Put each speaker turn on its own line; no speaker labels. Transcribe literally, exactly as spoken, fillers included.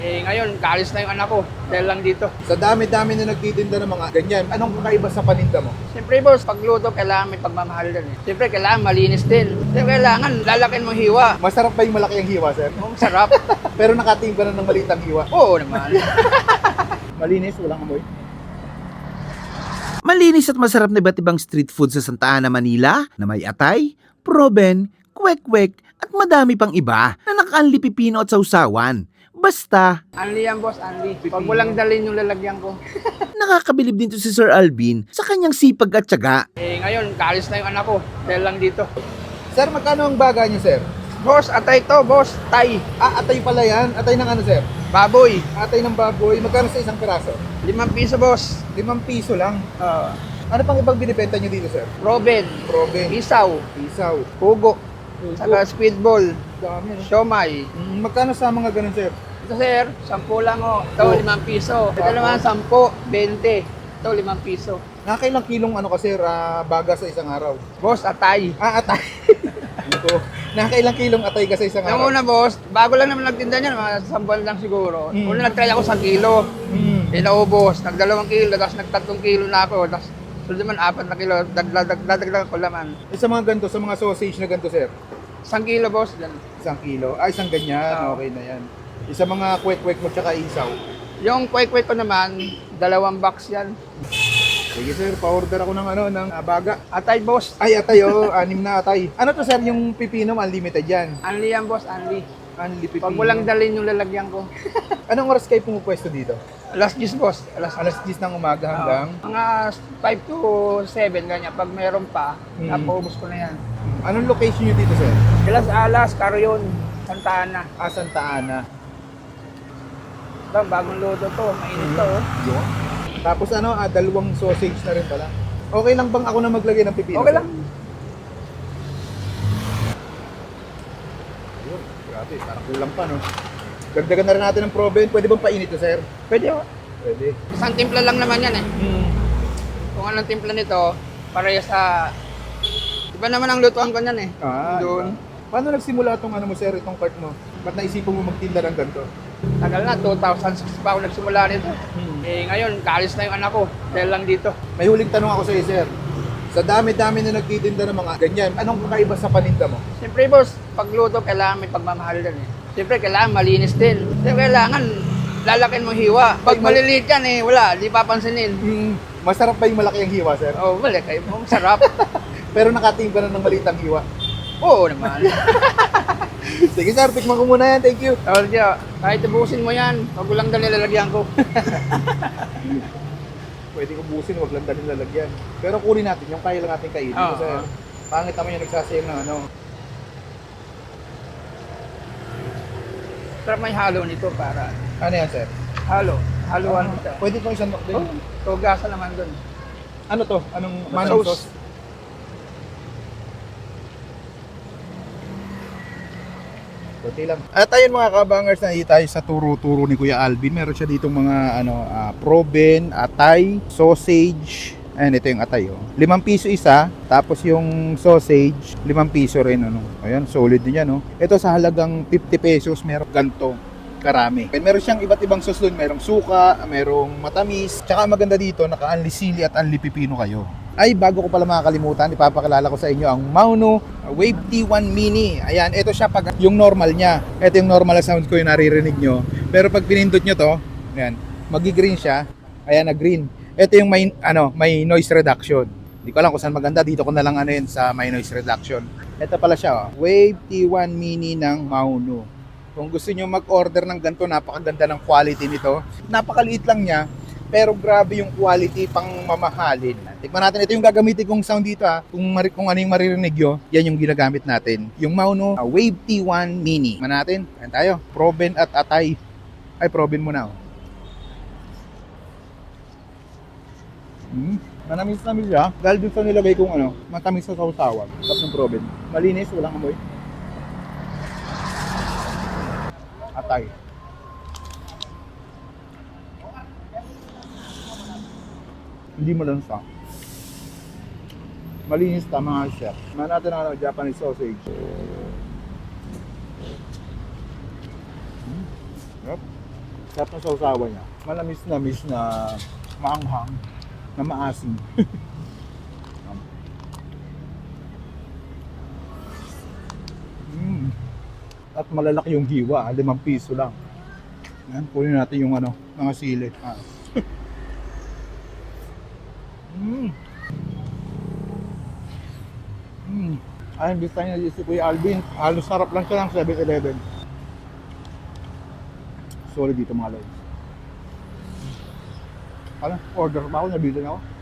Eh ngayon, kaalis na yung anak ko dahil lang dito.
Sa dami-dami na nagtitinda ng mga ganyan, anong kakaiba sa paninda mo?
Siyempre boss, pagluto, kailangan may pagmamahal din eh. Siyempre, kailangan malinis din. Siyempre, kailangan lalakin mo hiwa.
Masarap ba yung malaki ang hiwa, sir?
Ang sarap.
Pero nakatingin ka na ng maliit ang hiwa.
Oo naman.
Malinis, walang amoy.
Malinis at masarap na iba't ibang street food sa Santa Ana, Manila na may atay, proben, kwek-kwek at madami pang iba na naka-unli pipino at sausawan. Basta,
Anli yan boss, anli. Pag mo lang dalhin yung lalagyan ko.
nakakabilib din to si Sir Alvin sa kanyang sipag at tiyaga.
Eh ngayon, kaalis na yung anak ko dahil lang dito.
Sir, magkano ang baga niyo, sir?
Boss, atay to, boss. Tay.
Ah, atay pala yan. Atay ng ano, sir?
Baboy.
Atay ng baboy. Magkano sa isang piraso?
Limang piso, boss.
Limang piso lang.
Uh,
Ano pang ibang binibenta niyo dito, sir?
Robin.
Probe,
Isaw.
isaw,
Hugo.
pugo.
Saka speedball.
Dami, no?
Siomay.
Mm, magkano sa mga ganun, sir?
Ito sir, sampu lang o. Ito,
Oh.
limang piso. Ito naman, sampu, bente. Ito, limang piso.
Nakakailang kilong ano ka, sir, ah, baga sa isang araw?
Boss, atay.
Ah, atay. Ito. Nakakailang kilong atay ka sa isang
Yung
araw?
una, boss, bago lang naman nagtinda niyan, mga isang buwan lang siguro.
Mm.
Una, nag-try ako sa kilo.
Mm.
Hindi naubos. Nagdalawang kilo, tapos nagtatlong kilo na ako. Tapos, sunod naman, apat na kilo. Dagdag ko laman.
Eh, sa mga ganito, sa mga sausage na ganito, sir?
Isang kilo, boss. Yan.
Isang kilo. Ah, isang ganyan.
Oo.
Okay na yan. Isa mga kwek-kwek mo tsaka isaw.
Yung kwek-kwek ko naman, dalawang box yan.
Sige, sir. Pa-order ako ng ano, ng ah, baga.
Atay, boss.
Ay, atay, oh. Anim na atay. Ano to, sir? Yung pipino, unlimited yan.
Anli yan, boss. Anli.
Unli pipino.
Pag mo lang dalhin yung lalagyan ko.
Anong oras kayo pumupwesto dito?
Alas diyes, boss. Alas
Alas diyes ng umaga hanggang?
Oo. Mga five to seven, ganyan. Pag meron pa,
Mm.
napaubos ko na yan.
Anong location nyo dito, sir?
Las Alas, Carrion, Santa Ana.
Ah, Santa Ana.
Ito, bagong luto to. Mainit to. oh.
Yun. Tapos ano, ah, dalawang sausage na rin pala. Okay lang bang ako na maglagay ng pipino?
Okay
sir?
lang.
Yun, grabe, parang kulang pa, no? Dagdagan na rin natin ng proben. Pwede bang painit to, sir?
Pwede oh.
Pwede.
Isang timpla lang naman yan eh.
Hmm.
Kung anong timpla nito, pareha sa... Iba naman ang lutuan ko niyan eh.
Ah,
Doon.
iba. Paano nagsimula itong ano mo, sir, itong cart mo? Ba't naisipan mo magtinda ng ganito?
Tagal na, two thousand six pa ako nagsimula nito.
Hmm.
Eh ngayon, kaalis na yung anak ko dahil lang dito.
May huling tanong ako sa iyo, sir. Sa dami-dami na nagtitinda ng mga ganyan, anong kakaiba sa paninda mo?
Siyempre boss, pagluto, kailangan may pagmamahal din eh. Siyempre, kailangan malinis din. Siyempre, kailangan lalakin mo hiwa. Pag maliliit yan eh, wala, di papansinin.
Hmm. Masarap ba yung malaki ang hiwa, sir?
Oh, wala kayo. Ang sarap.
Pero nakatingin ka na ng maliit ang hiwa.
Oo naman.
Sige, sir, tikman ko muna yan. Thank you.
Tawag niya, kahit ubusin mo yan, pag ulang dali lalagyan ko.
Pwede ko busin, wag lang dalhin lalagyan. Pero kunin natin yung kaya lang natin kainin.
Oo.
Kasi pangit naman yung nagsasayang ng ano.
Sarap may halo nito para
Ano yan, sir?
halo. Haluan mo siya.
Pwede itong isang din.
Oh, tugasa naman dun.
Ano to? Anong manong
Sauce.
sauce? Kunti lang. At ayun mga kabangers, na tayo sa turo-turo ni Kuya Alvin. Meron siya ditong mga ano, ah, proben, atay, sausage. Ayan, ito yung atay. Oh. Limang piso isa, tapos yung sausage, limang piso rin. Ano. Ayan, solid din yan. Oh. Ito sa halagang fifty pesos, meron ganito karami. Meron siyang iba't ibang sauce doon. Merong suka, merong matamis. Tsaka maganda dito, naka-unli sili at unli pipino kayo. Ay, bago ko pala makakalimutan, ipapakilala ko sa inyo ang Mauno Wave T one Mini. Ayan, ito siya pag yung normal niya. Ito yung normal na sound ko yung naririnig nyo. Pero pag pinindot nyo to, ayan, magi-green siya. Ayan, na green. Ito yung may, ano, may noise reduction. Hindi ko alam kung saan maganda. Dito ko na lang ano yun sa may noise reduction. Ito pala siya, oh. Wave T one Mini ng Mauno. Kung gusto nyo mag-order ng ganito, napakaganda ng quality nito. Napakaliit lang niya. Pero grabe yung quality pang mamahalin. Tikman natin, ito yung gagamitin kong sound dito ha. Kung, mari- kung ano yung maririnig nyo, yan yung ginagamit natin. Yung Mauno uh, Wave T one Mini. Tikman natin, ayan tayo. Proben at atay. Ay, proben muna oh. Hmm. Manamis-namis siya. Dahil dun sa nilagay kong ano, matamis sa sausawan. Tapos ng proben. Malinis, walang amoy. Atay. Hindi mo lang sa. Malinis, tama nga siya. Tignan natin ang ano, Japanese sausage. Hmm. Yep. Sarap na sausawan niya. Malamis na miss na maanghang, na maasim. mm. At malalaki yung hiwa, ah, limang piso lang. Yan, kunin natin yung ano, mga sili. Ah. mm. Mm. Ay, imbis tayo na si Kuya Alvin, halos sarap lang siya ng seven eleven. Solid dito mga lods. Ano, order pa ako, nabitin ako.